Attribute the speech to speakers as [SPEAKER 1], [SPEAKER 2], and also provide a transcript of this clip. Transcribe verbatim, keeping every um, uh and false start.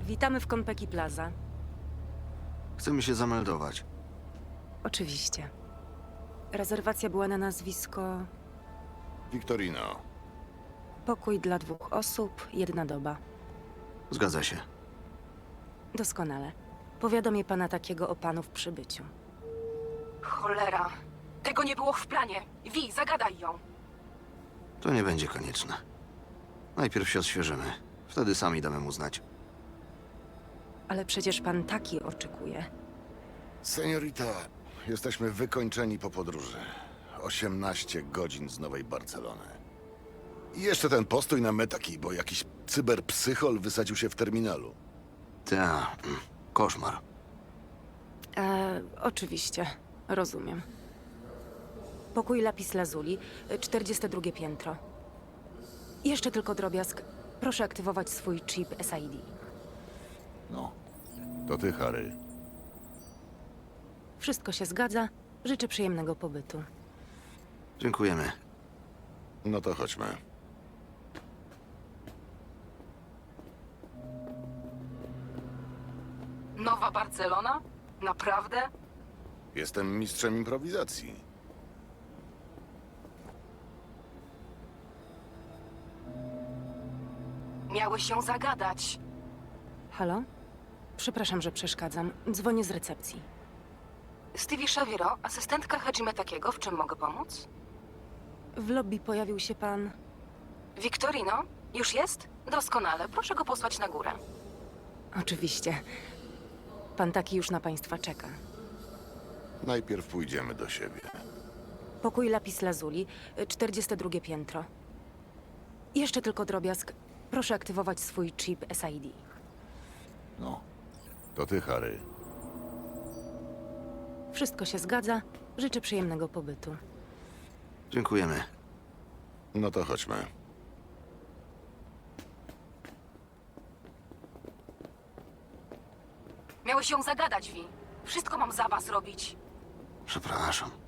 [SPEAKER 1] Witamy w Konpeki Plaza.
[SPEAKER 2] Chcemy się zameldować.
[SPEAKER 1] Oczywiście. Rezerwacja była na nazwisko...
[SPEAKER 3] Victorino.
[SPEAKER 1] Pokój dla dwóch osób, jedna doba.
[SPEAKER 2] Zgadza się.
[SPEAKER 1] Doskonale. Powiadomię pana takiego o panu w przybyciu.
[SPEAKER 4] Cholera. Tego nie było w planie. Wi, zagadaj ją.
[SPEAKER 2] To nie będzie konieczne. Najpierw się odświeżymy. Wtedy sami damy mu znać.
[SPEAKER 1] Ale przecież pan taki oczekuje.
[SPEAKER 3] Seniorita, jesteśmy wykończeni po podróży. osiemnaście godzin z Nowej Barcelony. I jeszcze ten postój na metaki, bo jakiś cyberpsychol wysadził się w terminalu.
[SPEAKER 2] Ta, mm, koszmar.
[SPEAKER 1] E, oczywiście. Rozumiem. Pokój Lapis Lazuli, czterdzieste drugie piętro. Jeszcze tylko drobiazg. Proszę aktywować swój chip S I D.
[SPEAKER 3] No, to ty, Harry.
[SPEAKER 1] Wszystko się zgadza. Życzę przyjemnego pobytu.
[SPEAKER 2] Dziękujemy.
[SPEAKER 3] No to chodźmy.
[SPEAKER 4] Nowa Barcelona? Naprawdę?
[SPEAKER 3] Jestem mistrzem improwizacji.
[SPEAKER 4] Miałeś ją zagadać.
[SPEAKER 1] Halo? Przepraszam, że przeszkadzam. Dzwonię z recepcji.
[SPEAKER 4] Stevie Xaviero, asystentka Hajime Takiego, w czym mogę pomóc?
[SPEAKER 1] W lobby pojawił się pan...
[SPEAKER 4] Victorino? Już jest? Doskonale. Proszę go posłać na górę.
[SPEAKER 1] Oczywiście. Pan taki już na państwa czeka.
[SPEAKER 3] Najpierw pójdziemy do siebie.
[SPEAKER 1] Pokój Lapis Lazuli, czterdzieste drugie piętro. Jeszcze tylko drobiazg. Proszę aktywować swój chip S I D.
[SPEAKER 3] No, to ty, Harry.
[SPEAKER 1] Wszystko się zgadza. Życzę przyjemnego pobytu.
[SPEAKER 2] Dziękujemy.
[SPEAKER 3] No to chodźmy.
[SPEAKER 4] Miałeś ją zagadać, Wi. Wszystko mam za was robić.
[SPEAKER 2] Przepraszam.